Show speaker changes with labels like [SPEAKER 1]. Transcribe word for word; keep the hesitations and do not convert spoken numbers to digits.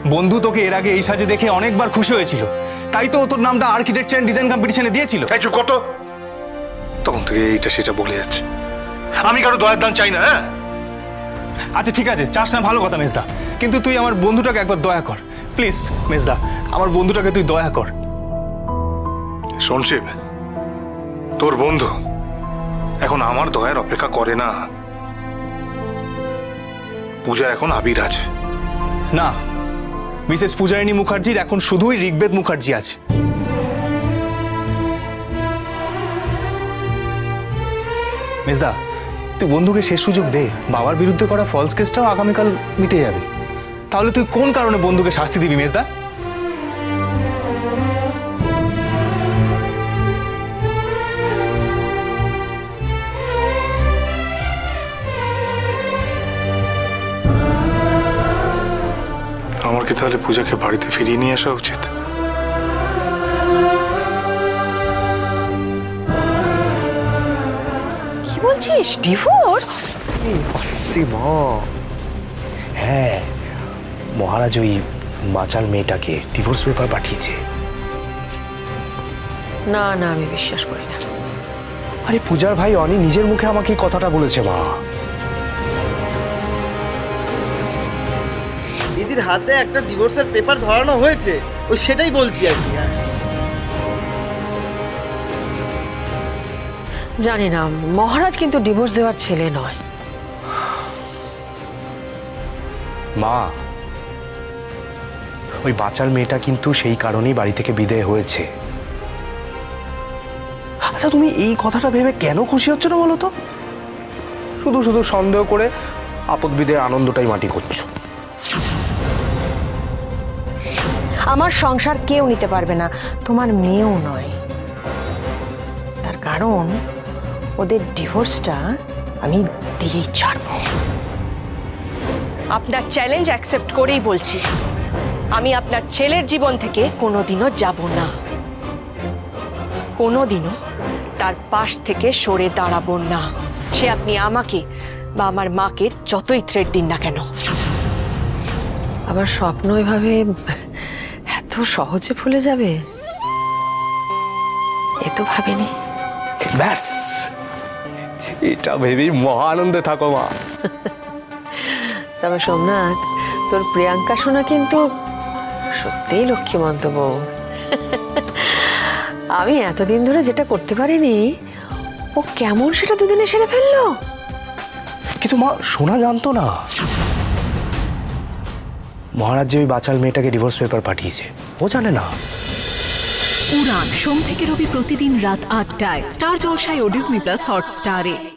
[SPEAKER 1] বন্ধু তোকে এর আগে এই সাজে দেখে অনেকবার খুশি হয়েছিল, তাই তো ও তোর নামটা আর্কিটেকচার অ্যান্ড ডিজাইন কম্পিটিশনে দিয়েছিল।
[SPEAKER 2] এই চুপ কত, তখন থেকে এইটা সেটা বলে যাচ্ছে। আমি কারো দয়ার দান চাই না। হ্যাঁ
[SPEAKER 1] আচ্ছা ঠিক আছে, চাস না ভালো কথা মেজদা, কিন্তু তুই আমার বন্ধুটাকে একবার দয়া কর প্লিজ। মেজদা, আমার বন্ধুটাকে তুই দয়া কর।
[SPEAKER 2] শোন শিব, তোর বন্ধু এখন আমার দয়ার অপেক্ষা করে না। পূজা এখন আবির আছে।
[SPEAKER 1] না, মিসেস পূজারিণী মুখার্জির এখন শুধুই ঋগ্বেদ মুখার্জি আছে। মেজদা, তুই বন্ধুকে শেষ সুযোগ দে। বাবার বিরুদ্ধে করা ফলস কেসটাও আগামীকাল মিটে যাবে। তাহলে তুই কোন কারণে বন্ধুকে শাস্তি দিবি মেজদা?
[SPEAKER 2] আমার কি তাহলে পূজাকে বাড়িতে ফিরিয়ে নিয়ে আসা উচিত?
[SPEAKER 3] কি বলছিস, ডিভোর্স?
[SPEAKER 4] অস্তি মা। হ্যাঁ, মহারাজ ওই বাচাল মেয়েটাকে ডিভোর্স পেপার পাঠিয়েছে।
[SPEAKER 3] না না, আমি বিশ্বাস করি না।
[SPEAKER 4] আরে পূজার ভাই অনি নিজের মুখে আমাকে এই কথাটা বলেছে মা।
[SPEAKER 5] দিদির হাতে একটা ডিভোর্সের পেপার ধরানো হয়েছে, ওই সেটাই বলছি আর কি।
[SPEAKER 3] জানি না, মহারাজ কিন্তু ডিভোর্স দেওয়ার ছেলে নয়।
[SPEAKER 4] মা, ওই বাচাল মেয়েটা কিন্তু সেই কারণেই বাড়ি থেকে বিদায় হয়েছে। আচ্ছা, তুমি এই কথাটা ভেবে কেন খুশি হচ্ছ না বলো তো? শুধু শুধু সন্দেহ করে আপদ বিদায়ের আনন্দটাই মাটি করছো।
[SPEAKER 3] আমার সংসার কেউ নিতে পারবে না, তোমার মেয়েও নয়। তার কারণ ওদের ডিভোর্সটা আমি দিয়েই ছাড়বো। আপনার চ্যালেঞ্জ অ্যাকসেপ্ট করেই বলছি, আমি আপনার ছেলের জীবন থেকে কোনোদিনও যাব না, কোনোদিনও তার পাশ থেকে সরে দাঁড়াবো না। সে আপনি আমাকে বা আমার মাকে যতই থ্রেট দিন না কেন। আবার স্বপ্ন এভাবে এত সহজে ভুলে যাবে এ তো ভাবিনি।
[SPEAKER 4] ব্যাস, এটা ভেবেই মহা আনন্দে থাকো মা।
[SPEAKER 3] তবে সোমনাথ, তোর প্রিয়াঙ্কা শোনা কিন্তু সত্যিই লক্ষ্মীমন্ত বউ। আমি এতদিন ধরে যেটা করতে পারিনি, ও কেমন সেটা দুদিনে সেরে ফেললো।
[SPEAKER 4] কিন্তু মা, সোনা জানতো না মহারাজ যে ওই বাচাল মেয়েটাকে ডিভোর্স পেপার পাঠিয়েছে। ও জানে না।
[SPEAKER 6] উড়ান সোম থেকে রবি প্রতিদিন রাত আটটায় স্টার জলসায় ও ডিজনি প্লাস হটস্টারে।